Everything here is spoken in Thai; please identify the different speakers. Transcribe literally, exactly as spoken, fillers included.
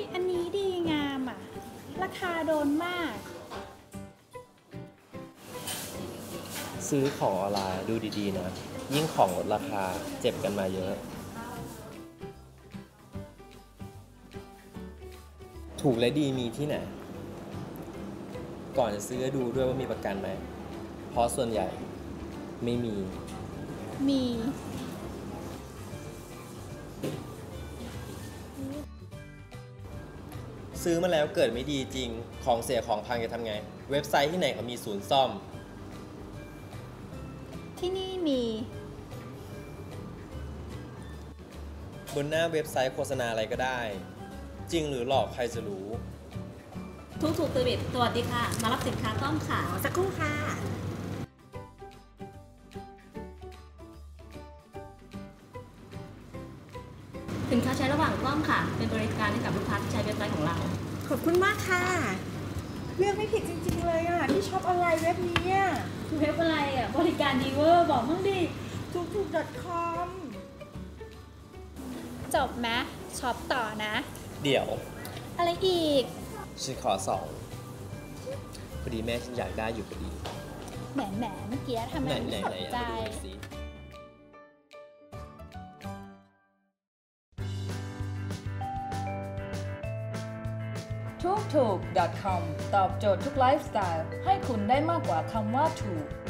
Speaker 1: อันนี้ดีงามอ่ะราคาโดนมาก
Speaker 2: ซื้อของออนไลน์ดูดีๆนะยิ่งของลดราคาเจ็บกันมาเยอะถูกและดีมีที่ไหนก่อนจะซื้อดูด้วยว่ามีประกันไหมเพราะส่วนใหญ่ไม่มี
Speaker 1: มี
Speaker 2: ซื้อมาแล้วเกิดไม่ดีจริงของเสียของพังจะทำไงเว็บไซต์ที่ไหนเขามีศูนย์ซ่อม
Speaker 1: ที่นี่มี
Speaker 2: บนหน้าเว็บไซต์โฆษณาอะไรก็ได้จริงหรือหลอกใครจะรู้
Speaker 3: ทุกถูกเซอร์วิสสวัสดีค่ะมารับสินค้าต้อมค่ะ
Speaker 4: สักครู่ค่ะ
Speaker 3: สินค้าใช้ระหว่างกล้องค่ะเป็นบริการให้กับลูกค้าที่ใช้เว็บไซต์ของเรา
Speaker 4: ขอบคุณมากค่ะเลือกไม่ผิดจริงๆเลยอ่ะที่ช็อปออนไลน์เว็บนี้อ่ะ
Speaker 3: เว็บอะไรอ่ะบริการดีเวอร์บอกมั่งดิ
Speaker 4: ทุกถูก .com
Speaker 1: จบไหมช็อปต่อนะ
Speaker 2: เดี๋ยว
Speaker 1: อะไรอีก
Speaker 2: ฉันขอสองพอดีแม่ฉันอยากได้อยู่พอดี
Speaker 1: แหมแหมเมื่อกี้ทำไมไม่สนใจ
Speaker 5: ทุกถูก .com ตอบโจทย์ทุกไลฟ์สไตล์ให้คุณได้มากกว่าคำว่าถูก